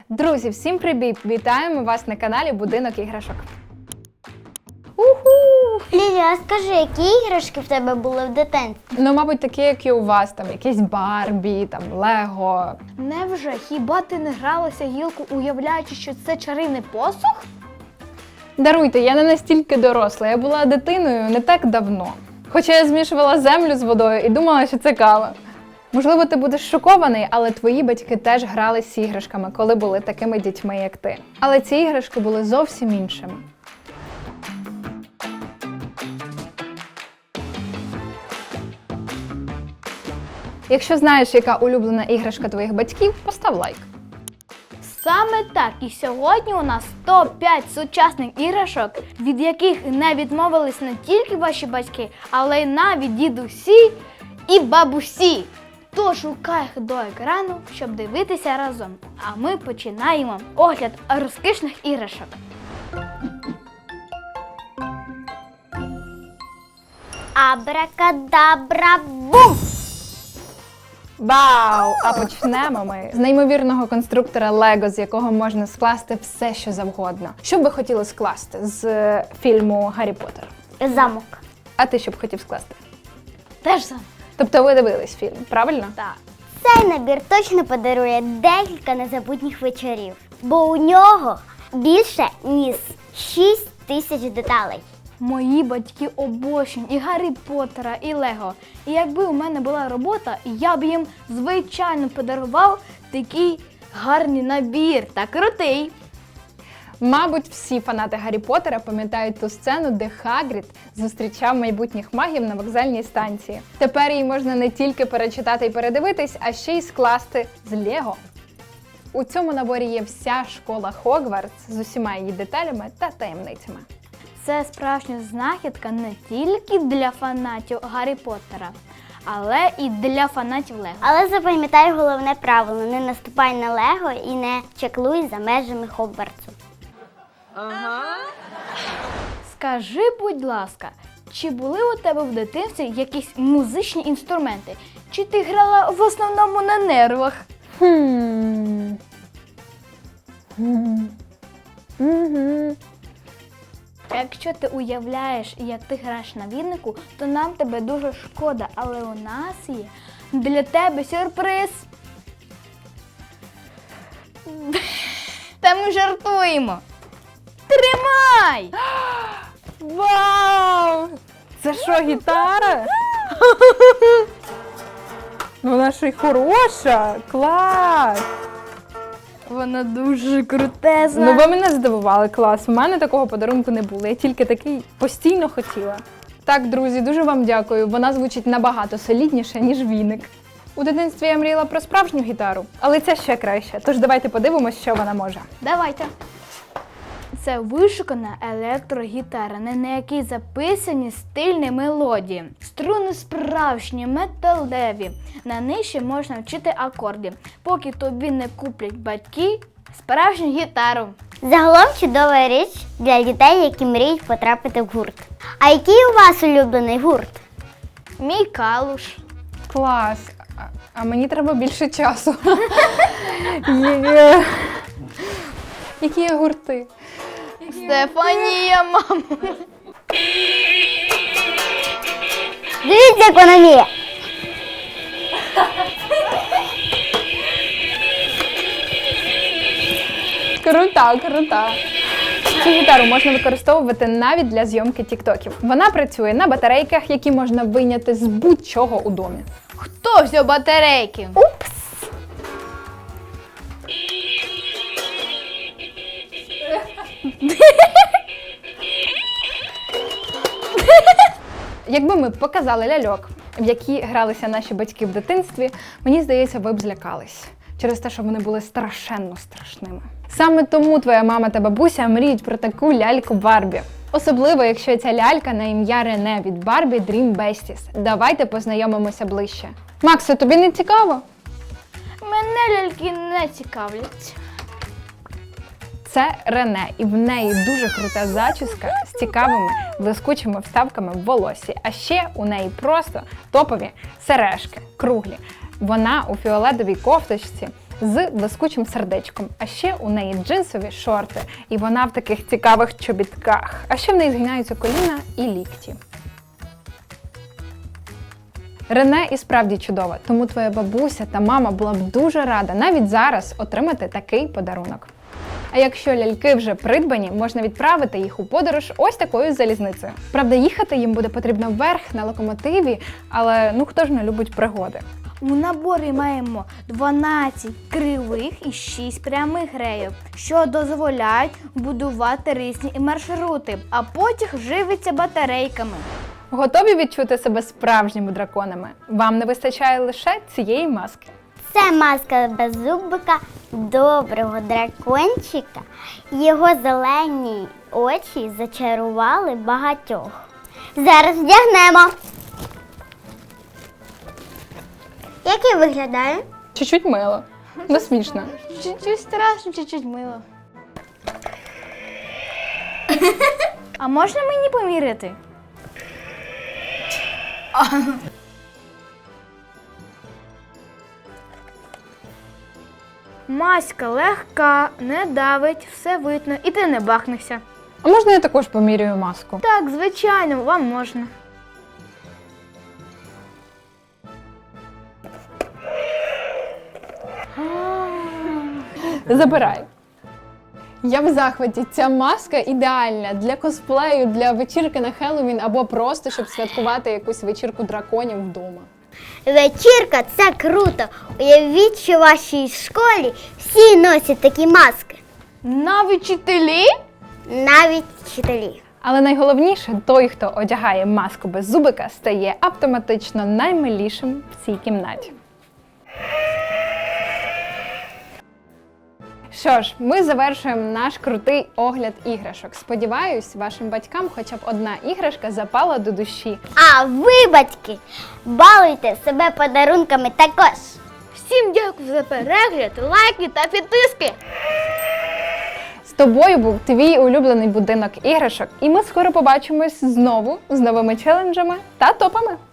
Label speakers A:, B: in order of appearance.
A: Друзі, всім привіт! Вітаємо вас на каналі Будинок іграшок. Уху!
B: Лілія, а скажи, які іграшки в тебе були в дитинстві?
A: Ну, мабуть, такі, як і у вас, там якісь Барбі, там Лего.
C: Невже? Хіба ти не гралася гілку, уявляючи, що це чарівний посух?
A: Даруйте, я не настільки доросла, я була дитиною не так давно. Хоча я змішувала землю з водою і думала, що це кава. Можливо, ти будеш шокований, але твої батьки теж грали з іграшками, коли були такими дітьми, як ти. Але ці іграшки були зовсім іншими. Якщо знаєш, яка улюблена іграшка твоїх батьків, постав лайк.
C: Саме так, і сьогодні у нас топ-5 сучасних іграшок, від яких не відмовились не тільки ваші батьки, але й навіть дідусі і бабусі. Тож шукай їх до екрану, щоб дивитися разом. А ми починаємо огляд розкішних іграшок.
B: Абракадабра-бум!
A: Вау! А почнемо ми з неймовірного конструктора Лего, з якого можна скласти все, що завгодно. Що б ви хотіли скласти з фільму «Гаррі Поттер»?
B: Замок.
A: А ти що б хотів скласти?
C: Теж саме.
A: Тобто ви дивились фільм, правильно?
C: Так.
B: Цей набір точно подарує декілька незабутніх вечорів, бо у нього більше ніж 6 тисяч деталей.
C: Мої батьки обожнюють і Гаррі Поттера, і Лего. І якби у мене була робота, я б їм, звичайно, подарував такий гарний набір та крутий.
A: Мабуть, всі фанати Гаррі Поттера пам'ятають ту сцену, де Хагрід зустрічав майбутніх магів на вокзальній станції. Тепер її можна не тільки перечитати і передивитись, а ще й скласти з Лего. У цьому наборі є вся школа Хогвартс з усіма її деталями та таємницями.
C: Це справжня знахідка не тільки для фанатів Гаррі Поттера, але і для фанатів Лего.
B: Але запам'ятай головне правило: не наступай на Лего і не чеклуй за межами Хогвартсу.
C: Скажи, будь ласка, чи були у тебе в дитинстві якісь музичні інструменти? Чи ти грала в основному на нервах? Якщо ти уявляєш, як ти граєш на вінику, то нам тебе дуже шкода, але у нас є для тебе сюрприз. Та ми жартуємо. Тримай!
A: Вау! Це що, гітара? Вона ж й хороша! Клас!
C: Вона дуже крутезна.
A: Ну ви мене здивували, клас. У мене такого подарунку не було, я тільки такий постійно хотіла. Так, друзі, дуже вам дякую. Вона звучить набагато солідніше, ніж віник. У дитинстві я мріяла про справжню гітару, але це ще краще. Тож давайте подивимось, що вона може.
C: Давайте. Це вишукана електрогітара, на якій записані стильні мелодії. Струни справжні, металеві. На них ще можна вчити акорди, поки тобі не куплять батьки справжню гітару.
B: Загалом чудова річ для дітей, які мріють потрапити в гурт. А який у вас улюблений гурт?
C: Мій калуш.
A: Клас. А мені треба більше часу. Які є гурти?
C: Стефанія, мама.
B: Дивіться, економія!
A: Крута. Цю гітару можна використовувати навіть для зйомки тіктоків. Вона працює на батарейках, які можна вийняти з будь-чого у домі.
C: Хто взяв батарейки?
A: Упс! Якби ми показали ляльок, в які гралися наші батьки в дитинстві, мені здається, ви б злякались. Через те, що вони були страшенно страшними. Саме тому твоя мама та бабуся мріють про таку ляльку Барбі. Особливо, якщо ця лялька на ім'я Рене від Barbie Dream Besties. Давайте познайомимося ближче. Максе, тобі не цікаво?
C: Мене ляльки не цікавлять.
A: Це Рене, і в неї дуже крута зачіска з цікавими блискучими вставками в волосі. А ще у неї просто топові сережки, круглі. Вона у фіолетовій кофточці з блискучим сердечком. А ще у неї джинсові шорти, і вона в таких цікавих чобітках. А ще в неї згинаються коліна і лікті. Рене і справді чудова, тому твоя бабуся та мама була б дуже рада навіть зараз отримати такий подарунок. А якщо ляльки вже придбані, можна відправити їх у подорож ось такою залізницею. Правда, їхати їм буде потрібно вверх на локомотиві, але хто ж не любить пригоди.
C: У наборі маємо 12 кривих і 6 прямих рейок, що дозволяють будувати різні маршрути, а потяг живиться батарейками.
A: Готові відчути себе справжніми драконами? Вам не вистачає лише цієї маски.
B: Це маска беззубика доброго дракончика. Його зелені очі зачарували багатьох. Зараз вдягнемо. Як я виглядаю?
A: Чуть-чуть мило. Ну смішно.
C: Чуть-чуть страшно, чуть-чуть мило. А можна мені поміряти? Маська легка, не давить, все видно, і ти не бахнешся.
A: А можна я також поміряю маску?
C: Так, звичайно, вам можна.
A: Забирай. Я в захваті. Ця маска ідеальна для косплею, для вечірки на Хеллоуін або просто, щоб святкувати якусь вечірку драконів вдома.
B: Вечірка – це круто. Уявіть, що в вашій школі всі носять такі маски.
C: Навіть вчителі?
B: Навіть вчителі.
A: Але найголовніше, той, хто одягає маску без зубика, стає автоматично наймилішим в цій кімнаті. Що ж, ми завершуємо наш крутий огляд іграшок. Сподіваюсь, вашим батькам хоча б одна іграшка запала до душі.
B: А ви, батьки, балуйте себе подарунками також.
C: Всім дякую за перегляд, лайки та підписки!
A: З тобою був твій улюблений будинок іграшок, і ми скоро побачимось знову з новими челенджами та топами.